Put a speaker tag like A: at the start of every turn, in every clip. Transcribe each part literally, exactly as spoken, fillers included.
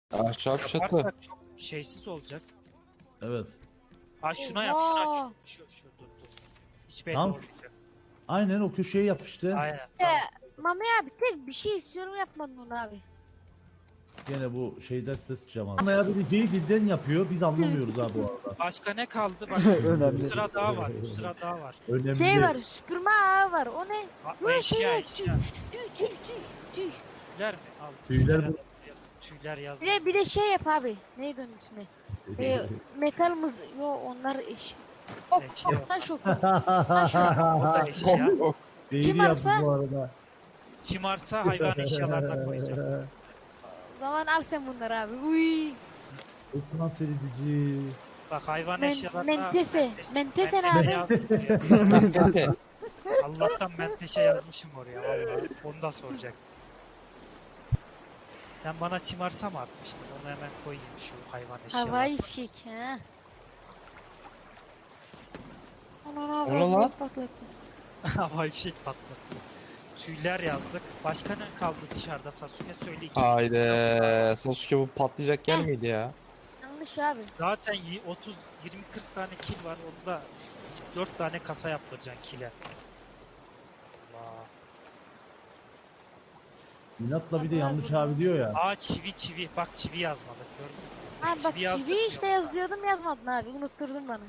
A: Ahşap çatı.
B: Yaparsak çok şeysiz olacak.
C: Evet.
B: Ha şuna yap şuna
D: Oha.
B: yap. Şu, şu, şu dur dur. Hiç belli
C: Tamam.
B: olmayacak.
C: Aynen o köşeye yap işte.
B: Aynen.
D: Ee,
B: Tamam.
D: Mami abi tek bir şey istiyorum yapmadın onu abi.
C: Gene bu şeyden ses çıkacağım abi. Anlaya bileceği dilden yapıyor. Biz anlamıyoruz abi bu arada.
B: Başka ne kaldı? Bak
E: Önemli.
B: bir sıra daha var. Bir sıra daha var.
C: Önemli.
D: Şey var süpürme ağı var o ne?
B: Ha,
D: Bu
B: eşya
D: şey
B: eşya.
D: tüy tüy tüy tüy.
B: Tüyler mi? Al.
C: Tüyler bu.
B: Tüyler yaz.
D: Bir de, bir de şey yap abi. Neydi onun ismi? Ee, metal mız... Yo onlar eş. Ok
B: Eşya.
D: ok taş ok.
B: O da eşya.
C: Değil
D: Kim
C: yaptı
D: varsa-
C: bu arada.
B: Çımarsa hayvan eşyalarına koyacağım.
D: O zaman al sen bunları abi. Uy.
C: Osman Seridici.
B: Bak hayvan
D: Men,
B: eşyalarına...
D: mentese. Mentese ne
B: Menteşe
D: abi?
B: yazdım oraya. Allah'tan menteşe yazmışım oraya vallahi. Onu da soracak. Sen bana çımarsa mı atmıştın? Onu hemen koyayım şu hayvan eşyalarına.
D: Havai fişek ha. Ana
A: O ne lan?
B: Havai fişek patlattı. Tüyler yazdık. Başka ne kaldı dışarıda Sasuke söyle iki.
A: Haydi. Sasuke bu patlayacak yer miydi ya?
D: Yanlış abi.
B: Zaten y- otuz yirmi kırk tane kil var. Onda dört tane kasa yaptıracaksın kile. Allah.
C: İnatla bir de yanlış abi diyor ya.
B: Aa çivi çivi. Bak çivi yazmadık gördün mü?
D: Abi bak
B: Çivi yazdık
D: çivi
B: mı?
D: işte yazıyordum yazmadın abi. Unutturdun bana.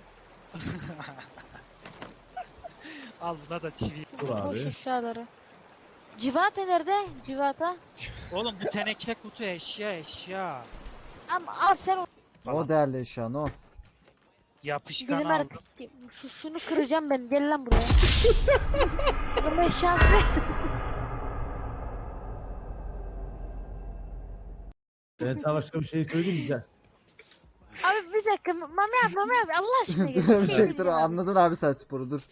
B: Al buna da çivi.
C: Dur
D: Boş
C: abi.
D: eşyaları. Civata nerede? Civata.
B: Oğlum bu teneke kutu eşya eşya.
D: Ama al sen o.
E: O değerli eşya o.
B: Yapışkan
D: Gidelim
B: aldım.
D: artık. Şu, şunu kıracağım ben. Gel lan buraya. Kırma eşyası.
C: Ben sana başka bir şey söyleyeyim mi? Gel.
D: Abi bir dakika. Mami abi Mami abi Allah aşkına gel.
E: bir
D: şey
E: şey dur
D: diyeceğim abi.
E: anladın abi sen sporu dur.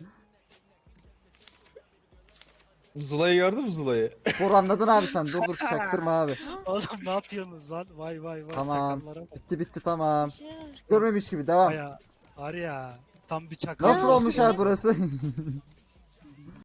A: Zula'yı gördün mü Zula'yı?
E: Spor anladın abi sen dur dur çaktırma abi.
B: Oğlum ne yapıyorsunuz lan? Vay vay vay.
E: Tamam.
B: Çakallara bak.
E: Bitti bitti tamam.
D: Şey-
E: Görmemiş gibi devam.
B: Baya var ya. Tam bir çakal.
E: Nasıl
D: Ya,
E: olmuş
D: olsun.
E: abi burası?